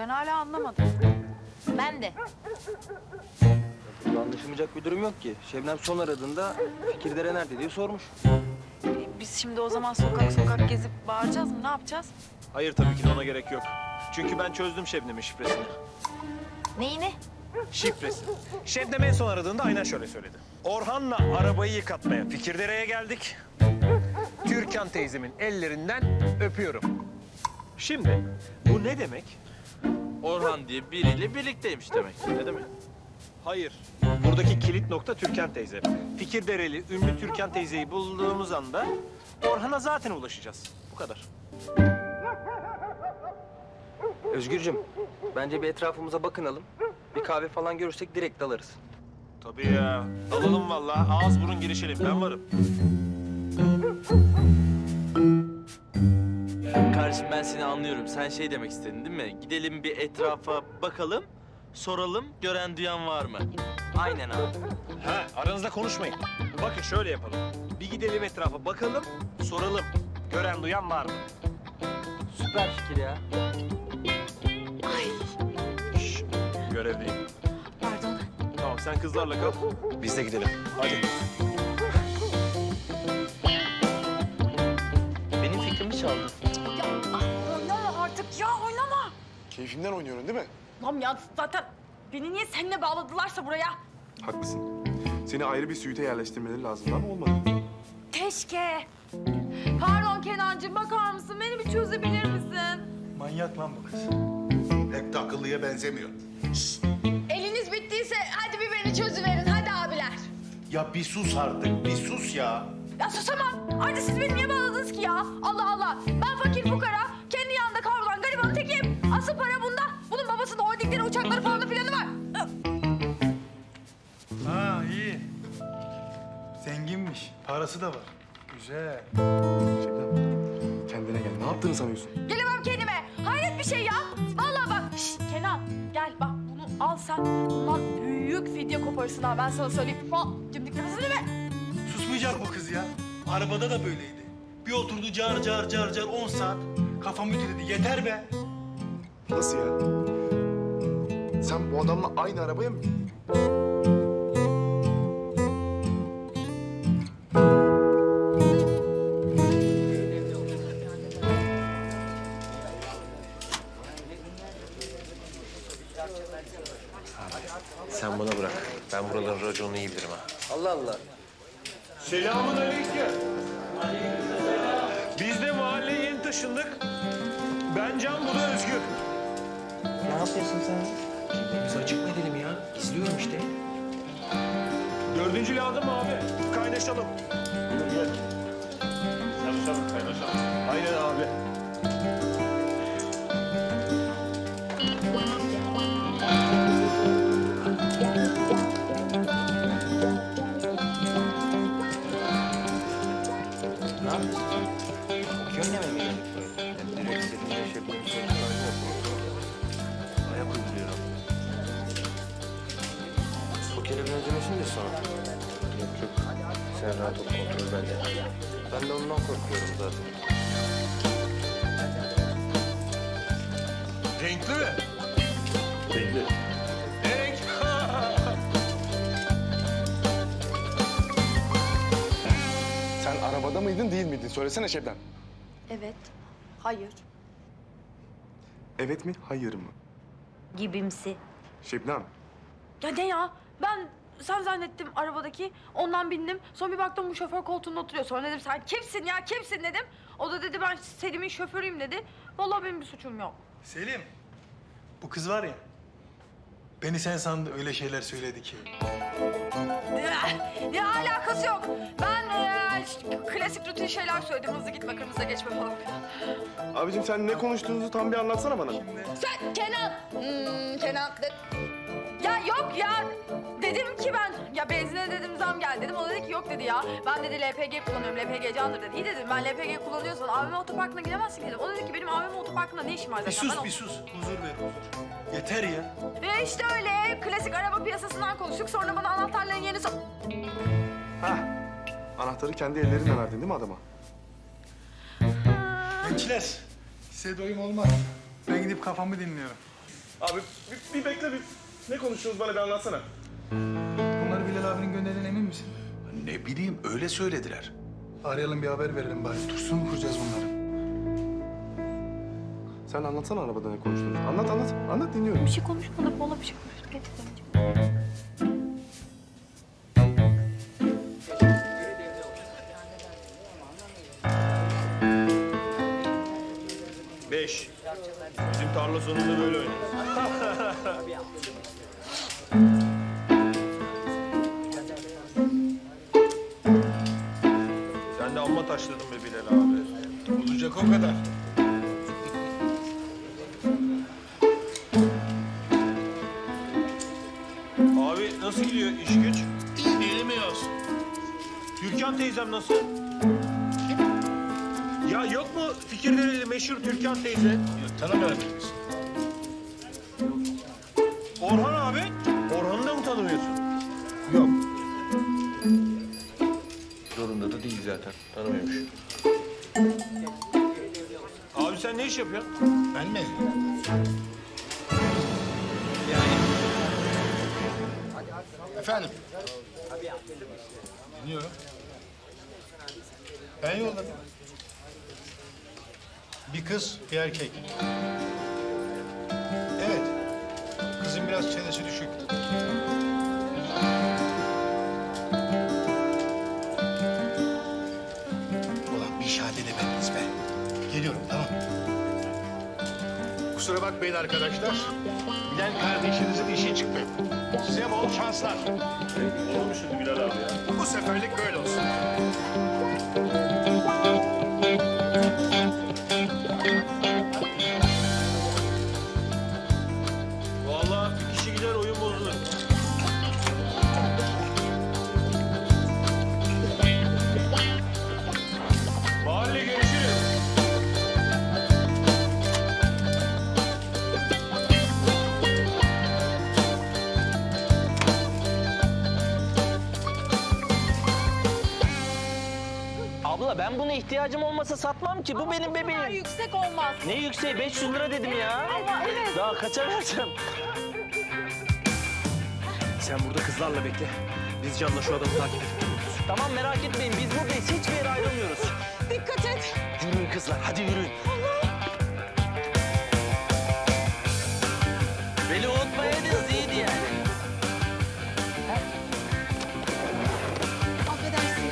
Ben hala anlamadım. Ben de. Burada anlaşılmayacak bir durum yok ki. Şebnem son aradığında Fikirdere nerede diye sormuş. Biz şimdi o zaman sokak sokak gezip bağıracağız mı? Ne yapacağız? Hayır tabii ki de ona gerek yok. Çünkü ben çözdüm Şebnem'in şifresini. Neyini? Şifresi. Şebnem en son aradığında aynen şöyle söyledi. Orhan'la arabayı yıkatmaya Fikirdere'ye geldik. Türkan teyzemin ellerinden öpüyorum. Şimdi bu ne demek? Orhan diye biriyle birlikteymiş demek. Ne demek? Hayır. Buradaki kilit nokta Türkan teyze. Fikirdereli ünlü Türkan teyzeyi bulduğumuz anda Orhan'a zaten ulaşacağız. Bu kadar. Özgürcüm, bence bir etrafımıza bakınalım. Bir kahve falan görürsek direkt dalarız. Tabii ya. Alalım vallahi. Ağız burun girişelim. Ben varım. Kardeşim ben seni anlıyorum. Sen şey demek istedin değil mi? Gidelim bir etrafa bakalım, soralım gören duyan var mı? Aynen abi. Ha, aranızda konuşmayın. Bakın şöyle yapalım. Bir gidelim etrafa bakalım, soralım. Gören duyan var mı? Süper fikir ya. Şşş, görevliyim. Pardon. Tamam sen kızlarla kal. Biz de gidelim. Hadi. Benim fikrimi çaldı. Ya oynama artık ya oynama. Keyfimden oynuyorum değil mi? Lan ya zaten beni niye seninle bağladılarsa buraya? Haklısın. Seni ayrı bir suite yerleştirmeleri lazım ama olmadı. Keşke. Pardon Kenancığım bakar mısın? Beni bir çözebilir misin? Manyak lan bu kız. Pek de akıllıya benzemiyor. Eliniz bittiyse hadi bir beni çözüverin. Hadi abiler. Ya bir sus artık, bir sus ya. Ya susamam. Ayrıca siz beni niye bağladınız ki ya? Allah Allah. Ben fakir fukara, kendi yanında kavrulan garibanın tekiyim. Asıl para bunda. Bunun babasının holdingleri, uçakları falan da planı var. Ha iyi. Zenginmiş. Parası da var. Güzel. Şebnem, kendine gel. Ne yaptığını sanıyorsun? Gelemem kendime. Hayret bir şey ya. Vallahi bak. Şşt, Kenan gel bak bunu al sen. Bundan büyük video koparırsın ha ben sana söyleyeyim. Cimdik nefesini mi? Susmayacak bu kız ya. Arabada da böyleydi. Bir oturdu car car car car 10 saat. Kafam ütüledi. Yeter be. Nasıl ya? Sen bu adamla aynı arabaya mı bindin? Sen buna bırak. Ben buraların raconunu iyi bilirim ha. Allah Allah. Selamun aleyküm. Biz de mahalleye yeni taşındık. Ben Can, bu da Özgür. Ne yapıyorsun sen? Biz açık mı edelim ya? İzliyorum işte. Dördüncü lazım mı abi? Kaynaşalım. Gel. Çalışalım, kaynaşalım. Aynen abi. Ne yapıyorsun? Köyüne mi geldik böyle? Yani direkt istediğin Şebnem'in sorunlarını yapıyorsun. Ayak uyduruyorum. Pokere benzemesin de sonra. Yok yok. Sen rahat ol, kontrol bende. Ben de ondan korkuyorum zaten. Renkli mi? Renkli. Ne renk? Sen arabada mıydın değil miydin? Söylesene Şebnem. Evet. Hayır. Evet mi, hayır mı? Gibimsi. Şebnem, Ya ne ya? Ben sen zannettim arabadaki. Ondan bindim. Sonra bir baktım bu şoför koltuğunda oturuyor. Sonra dedim sen kimsin ya kimsin dedim. O da dedi ben Selim'in şoförüyüm dedi. Vallahi benim bir suçum yok. Selim. Bu kız var ya. Beni sen sandı öyle şeyler söyledi ki. Ya alakası yok. Ben klasik rutin şeyler söyledim. Hızlı gitme, kırmızıda geçme falan. abicim sen ne konuştuğunuzu tam bir anlatsana bana. Sen Kenan. Kenan. Ya yok ya. Dedim ki ben ya benzine dedim zam geldi dedim. O dedi ki yok dedi ya. Ben dedi LPG kullanıyorum. LPG candır dedi. İyi dedim ben LPG kullanıyorsan AVM otoparkına gidemezsin dedim. O dedi ki benim AVM otoparkında ne işim var zaten. Bir sus Ben bir sus. Huzur ver huzur. Yeter ya. işte öyle klasik araba piyasasından konuştuk. Sonra bana anahtarların yerini Hah, anahtarı kendi ellerinle verdin değil mi adama? Gençler. Size doyum olmaz. Ben gidip kafamı dinliyorum. Abi bir bekle bir. Ne konuştunuz bana bir anlatsana. Bunları Bilal abinin gönderdiğine emin misin? Ne bileyim öyle söylediler. Arayalım bir haber verelim bari. Tursun mu kuracağız bunları? Sen anlatsana arabada ne konuştunuz. Anlat anlat. Anlat dinliyorum. Bir şey konuşmadık. Valla bir şey konuştuk. Getirdim. 5. Bizim tarla sonunda böyle oynarız. Sen de amma taşladın be Bilal abi. Olacak o kadar. Abi nasıl gidiyor iş güç? İyi değil mi olsun? Türkan teyzem nasıl? Ya yok mu fikirleri meşhur Türkan teyze? Tanımıyorum biz. Orhan abi? Orhan'ı da mı tanımıyorsun? Yok. Zorunda da değil zaten. Tanımıyormuş. Abi sen ne iş yapıyorsun? Ben mi? Efendim? Dinliyorum. Ben yolladım. Bir kız, bir erkek. Evet. Kızın biraz çenesi düşük. Ulan bir şahane demediniz be. Geliyorum, tamam. Kusura bakmayın arkadaşlar. Bilen kardeşinizin işi çıktı. Size bol şanslar. Olur mu şimdi Bilal abi ya? Bu seferlik böyle olsun. Vallahi bir kişi gider oyun bozulur. Mahalle görüşürüz. Abla ben buna ihtiyacım olmasa satmam ki. Bu benim bebeğim. Yüksek olmaz. Ne yükseği? 500 lira dedim ya. Ama evet. Daha kaça vereceğim? Sen burada kızlarla bekle. Biz Can'la şu adamı takip edelim. Tamam merak etmeyin. Biz buradayız. Hiçbir yere ayrılmıyoruz. Dikkat et. Yürüyün kızlar. Hadi yürüyün. Beni unutmayaydınız iyiydi yani. Affedersin.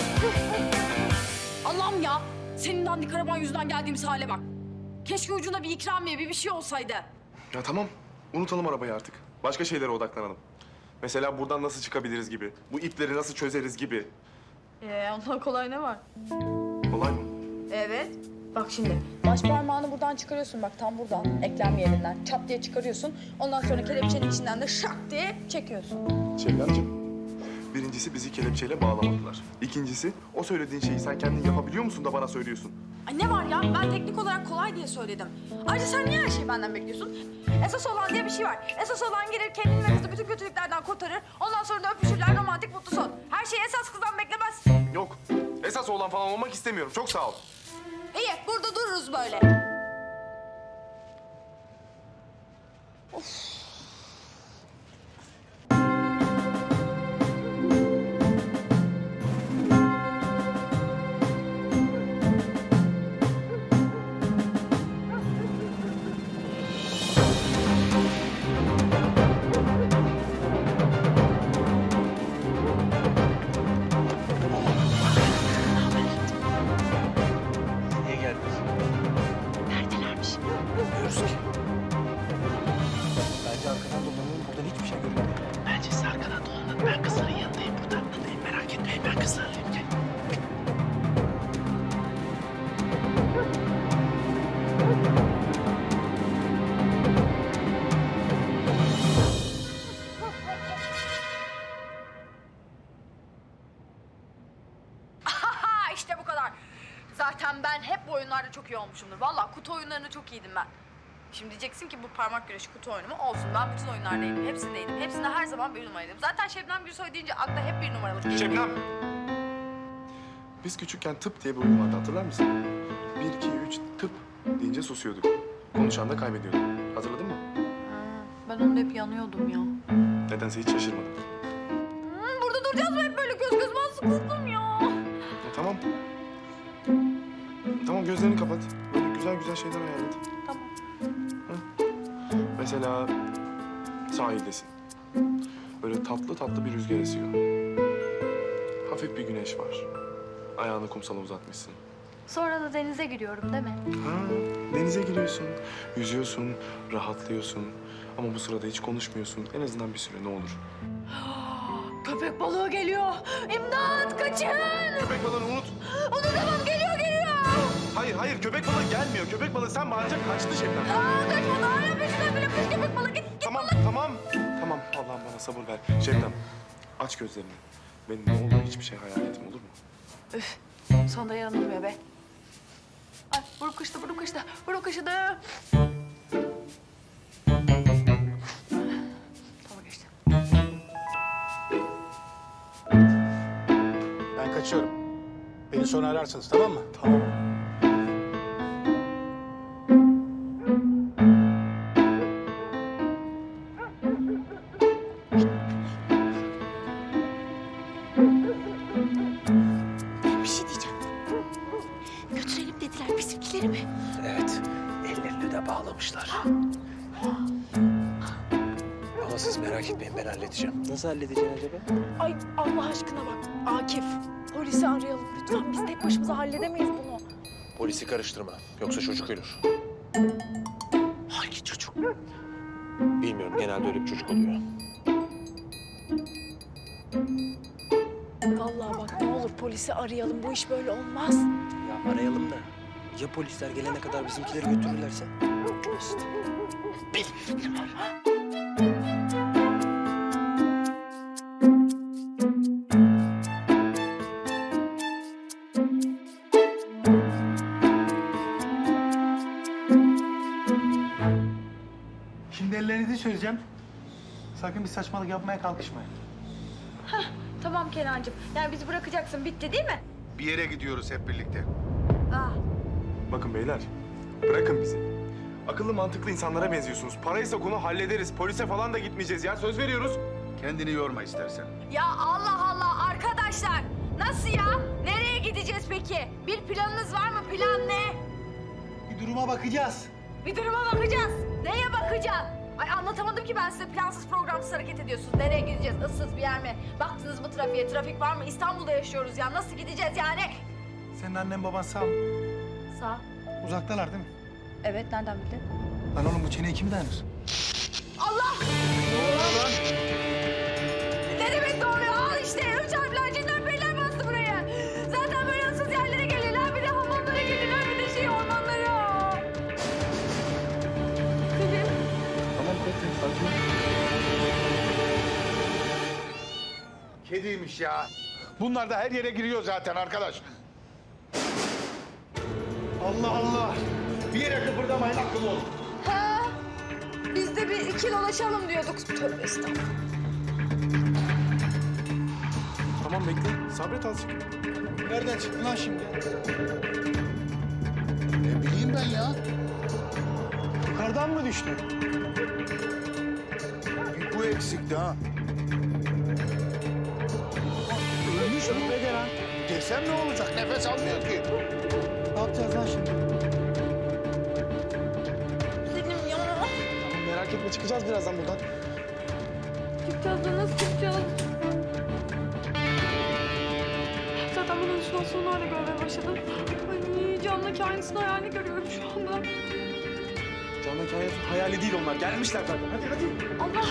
Allah'ım ya. Senin dandik araban yüzünden geldiğimiz hale bak. Keşke ucunda bir ikramiye, bir şey olsaydı. Ya tamam. Unutalım arabayı artık. Başka şeylere odaklanalım. Mesela buradan nasıl çıkabiliriz gibi. Bu ipleri nasıl çözeriz gibi. Ondan kolay ne var? Kolay mı? Evet. Bak şimdi baş parmağını buradan çıkarıyorsun bak tam buradan eklem yerinden çat diye çıkarıyorsun. Ondan sonra kelepçenin içinden de şak diye çekiyorsun. Şevlemciğim, birincisi bizi kelepçeyle bağlamadılar. İkincisi, o söylediğin şeyi sen kendin yapabiliyor musun da bana söylüyorsun? Ay ne var ya ben teknik olarak kolay diye söyledim. Ayrıca sen niye her şeyi benden bekliyorsun? Esas olan diye bir şey var. Esas olan gelir kendini ve kızı bütün kötülüklerden kurtarır. Ondan sonra da öpüşürler romantik mutlu son. Her şeyi esas kızdan beklemez. Yok, esas oğlan falan olmak istemiyorum. Çok sağ ol. İyi burada dururuz böyle. Niye geldiniz? Neredelermiş? Bilmiyoruz ki. Bence arkadan dolanalım. Buradan hiçbir şey görünmüyor. Bence siz arkadan dolanın. Ben kızların yanındayım burada. Buradayım merak etmeyin. Ben kızlarlayım. Gel. Ha işte bu kadar. Zaten ben hep bu oyunlarda çok iyi olmuşumdur. Vallahi kutu oyunlarında çok iyiydim ben. Şimdi diyeceksin ki bu parmak güreşi kutu oyunu mu? Olsun ben bütün oyunlardaydım. Hepsindeydim. Hepsinde her zaman bir numaraydım. Zaten Şebnem Gürsoy deyince akla hep bir numaralık geliyor. Şebnem! Biz küçükken tıp diye bir oyun vardı, hatırlar mısın? 1, 2, 3, tıp deyince susuyorduk. Konuşan da kaybediyorduk. Hatırladın mı? Ha, Ben onda hep yanıyordum ya. Nedense hiç şaşırmadım. Burada duracağız mı hep böyle göz göz? Ben sıkıldım ya. Tamam. Tamam, gözlerini kapat. Böyle güzel güzel şeyler hayal et. Tamam. Mesela sahildesin. Böyle tatlı tatlı bir rüzgar esiyor. Hafif bir güneş var. Ayağını kumsala uzatmışsın. Sonra da denize giriyorum değil mi? Ha, denize giriyorsun, yüzüyorsun, rahatlıyorsun. Ama bu sırada hiç konuşmuyorsun. En azından bir süre ne olur. Köpek balığı geliyor. İmdat kaçın. Köpek balığını unut. Onu tamam geliyor. Hayır, hayır. Köpek balığı gelmiyor. Köpek balığı sen bağırınca kaçtı Şebnem. Kaçmadı hala peşinden bile kız köpek balığı git. Tamam, tamam. Tamam, Allah'ım bana sabır ver. Şebnem, aç gözlerini. Benim ne olur hiçbir şey hayal etme, olur mu? Üf, sonunda yanılmıyor be. Ay buruk kaşıdı, buruk kaşıdı, buruk kaşıdı. Tamam geçti. Ben kaçıyorum. Beni sonra ararsınız, tamam mı? Tamam. Bir şey diyeceğim. Götürelim dediler bizimkileri mi? Evet, ellerini de bağlamışlar. Ama siz merak etmeyin, ben halledeceğim. Nasıl halledeceksin acaba? Ay Allah aşkına bak Akif. Polisi arayalım lütfen. Biz tek başımıza halledemeyiz bunu. Polisi karıştırma, yoksa çocuk ölür. Hangi çocuk? Bilmiyorum, genelde öyle bir çocuk oluyor. Vallahi bak ne olur polisi arayalım. Bu iş böyle olmaz. Ya arayalım da. Ya polisler gelene kadar bizimkileri götürürlerse? Benim fikrim var. Şimdi ellerinizi çözeceğim. Sakın bir saçmalık yapmaya kalkışmayın. Tamam Kenancığım. Yani bizi bırakacaksın. Bitti değil mi? Bir yere gidiyoruz hep birlikte. Ah. Bakın beyler, bırakın bizi. Akıllı mantıklı insanlara benziyorsunuz. Paraysa konu hallederiz. Polise falan da gitmeyeceğiz ya. Söz veriyoruz. Kendini yorma istersen. Ya Allah Allah arkadaşlar. Nasıl ya? Nereye gideceğiz peki? Bir planınız var mı? Plan ne? Bir duruma bakacağız. Bir duruma bakacağız. Neye bakacağız? Ay anlatamadım ki ben size plansız programsız hareket ediyorsunuz. Nereye gideceğiz? Issız bir yer mi? Baktınız mı trafiğe? Trafik var mı? İstanbul'da yaşıyoruz ya. Nasıl gideceğiz yani? Senin annen baban sağ mı? Sağ. Uzaktalar değil mi? Evet nereden bildin? Lan oğlum bu çeneye kimi dayanır? Allah! Ne demek doğruyor? Al işte. Üç harfler cinler beyler bastı buraya. Zaten böyle ıssız yerlere gelirler. Bir de hamamlara gelirler. Bir de ormanlara. Selim. Tamam, bekle. Sakin ol. Kediymiş ya. Bunlar da her yere giriyor zaten arkadaş. Allah Allah. Bir yere kıpırdamayın, akıllı olun. Ha, biz de bir iki dolaşalım diyorduk. Tövbe estağfurullah. Tamam, bekle. Sabret azıcık. Nereden çıktı lan şimdi? Ne bileyim ben ya. Yukarıdan mı düştü? Bir bu eksikti ha. Ölmüş mü? Ne de lan? Desem ne olacak? Nefes almıyor ki. Ne yapacağız lan şimdi? Selim ya. Tamam, merak etme. Çıkacağız birazdan buradan. Çıkacağız da nasıl çıkacağız? Zaten bunun halüsinasyonunu öyle görmeye başladım. Ay canlı kainatın hayalini görüyorum şu anda. Canlı kainatın hayali değil onlar. Gelmişler zaten. Hadi hadi. Allah!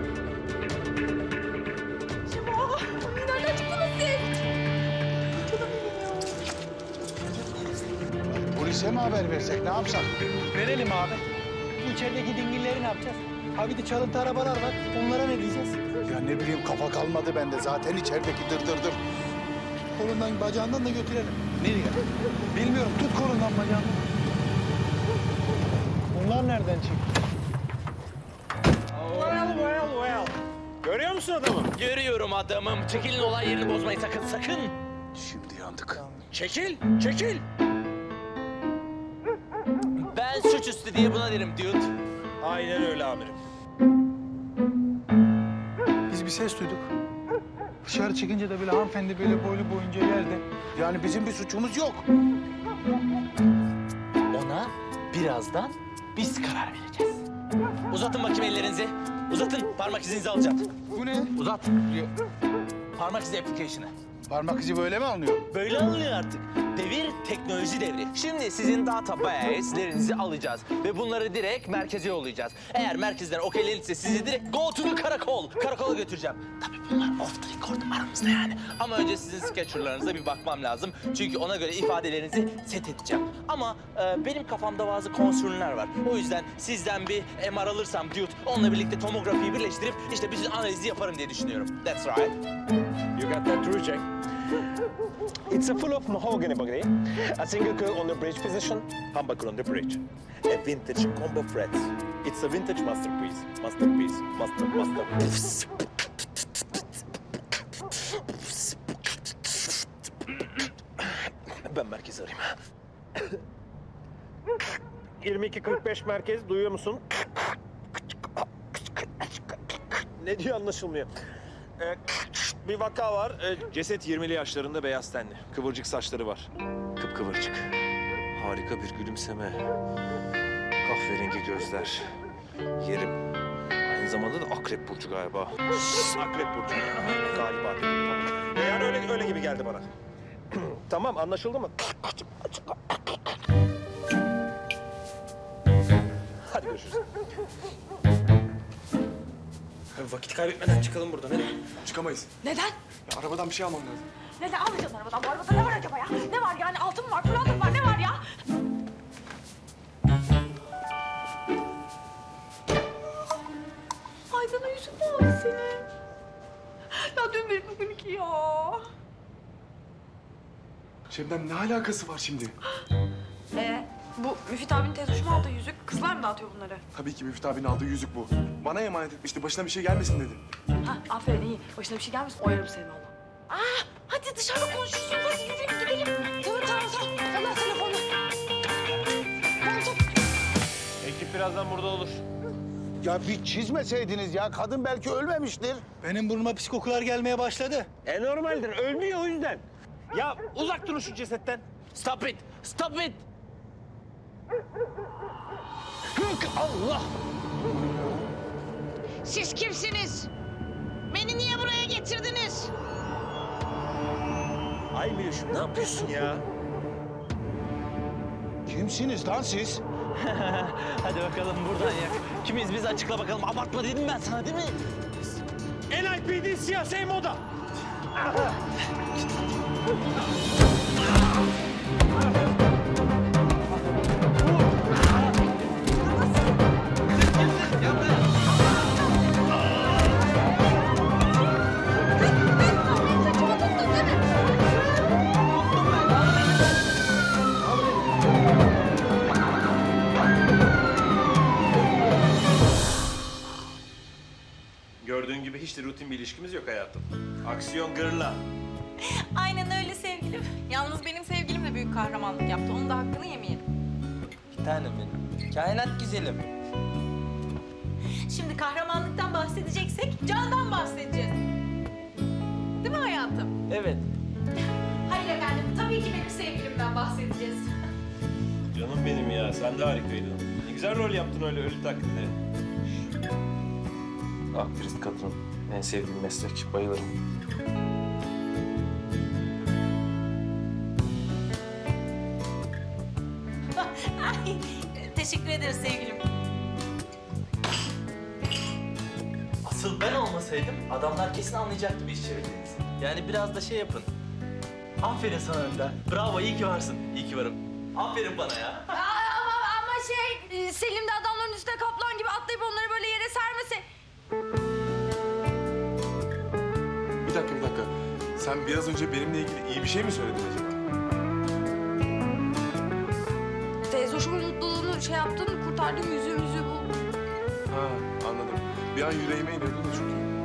Şema! Nereden çıktınız siz? Polise mi haber versek, ne yapsak? Verelim abi. İçerideki dingilleri ne yapacağız? Ha bir de çalıntı arabalar var. Onlara ne diyeceğiz? Ya ne bileyim, kafa kalmadı bende. Zaten içerideki dır. Kolundan bacağından da götürelim. Nereye? Bilmiyorum. Tut kolundan bacağından. Bunlar nereden çıktı? Well. Görüyor musun adamı? Görüyorum adamım. Çekilin, olay yerini bozmayın sakın. Şimdi yandık. Çekil. Ben suçüstü diye buna derim dude. Aynen öyle amirim. ses duyduk. Dışarı çıkınca da böyle hanımefendi böyle boylu boyunca yerde. Yani bizim bir suçumuz yok. Ona birazdan biz karar vereceğiz. Uzatın bakayım ellerinizi. Uzatın. Parmak izinizi alacağım. Bu ne? Uzat. Parmak izi application'ı. Parmak izi böyle mi alınıyor? Böyle alınıyor artık. Devir teknoloji devri. Şimdi sizin database'lerinizi alacağız ve bunları direkt merkeze yollayacağız. Eğer merkezden okeylenirse sizi direkt go to the karakol. Karakola götüreceğim. Tabii bunlar off the record aramızda yani. Ama önce sizin sketcherlarınıza bir bakmam lazım. Çünkü ona göre ifadelerinizi set edeceğim. Ama benim kafamda bazı concern'ler var. O yüzden sizden bir MR alırsam dude, onunla birlikte tomografiyi birleştirip işte bütün analizi yaparım diye düşünüyorum. That's right. You got that true, Jack? It's a full of mahogany body, a single coil on the bridge position, humbucker on the bridge. A vintage combo frets. It's a vintage masterpiece. Masterpiece. Ben merkezi arayayım. 22:45 merkez, duyuyor musun? Ne diyor anlaşılmıyor. Bir vaka var. Ceset 20'li yaşlarında, beyaz tenli. Kıvırcık saçları var. Kıpkıvırcık. Harika bir gülümseme. Kahverengi gözler. Yerim. Aynı zamanda da akrep burcu galiba. Akrep burcu. Galiba dedim. Yani öyle gibi geldi bana. Tamam, anlaşıldı mı? Hadi görüşürüz. Vakit kaybetmeden çıkalım buradan hadi. Çıkamayız. Neden? Ya, arabadan bir şey almam lazım. Neden alacaksın arabadan? Bu arabada ne var acaba ya? Ne var yani? Altın mı var, pırlanta mı var? Ne var ya? Ay sana yüzün ne oldu senin? Ya dün bir bugün iki ya. Şebnem ne alakası var şimdi? Bu Müfit abinin tez hoşuma aldığı yüzük. Kızlar mı dağıtıyor bunları? Tabii ki Müftü abinin aldığı yüzük bu. Bana emanet etmişti. Başına bir şey gelmesin dedi. Ha, aferin iyi. Başına bir şey gelmesin. Oyarım seni valla. Hadi dışarıda konuşursun. Hadi yürüyün gidelim. Tamam. Allah telefonu. Ekip birazdan burada olur. Ya bir çizmeseydiniz ya. Kadın belki ölmemiştir. Benim burnuma pis kokular gelmeye başladı. Normaldir, ölmüyor o yüzden. Ya uzak durun şu cesetten. Stop it. Stop it. Allah! Siz kimsiniz? Beni niye buraya getirdiniz? Ay Mülüşüm, ne yapıyorsun ya? Kimsiniz lan siz? Hadi bakalım buradan yak. Kimiz biz açıkla bakalım. Abartma dedim ben sana değil mi? NIPD siyasi moda. Gördüğün gibi hiç de rutin bir ilişkimiz yok hayatım. Aksiyon gırla. Aynen öyle sevgilim. Yalnız benim sevgilim de büyük kahramanlık yaptı. Onun da hakkını yemeyelim. Bir tanem benim. Kainat güzelim. Şimdi kahramanlıktan bahsedeceksek candan bahsedeceğiz. Değil mi hayatım? Evet. Hayır efendim. Tabii ki benim sevgilimden bahsedeceğiz. Canım benim ya, sen de harikaydın. Ne güzel rol yaptın öyle ölü taklidi. Aktrist kadın, en sevdiğim meslek, bayılırım. Ay, teşekkür ederiz sevgilim. Asıl ben olmasaydım adamlar kesin anlayacaktı bir iş çevirdiğinizi. Yani biraz da şey yapın. Aferin sana Önder. Bravo, iyi ki varsın. İyi ki varım. Aferin bana ya. Ama Selim de adamların üstüne kaplan gibi atlayıp onları böyle yere sermesi. Bir dakika. Sen biraz önce benimle ilgili iyi bir şey mi söyledin acaba? Teyze hoşumun mutluluğunu kurtardığım yüzüğü bu. Ha, anladım. Bir an yüreğime iniyordu da çünkü.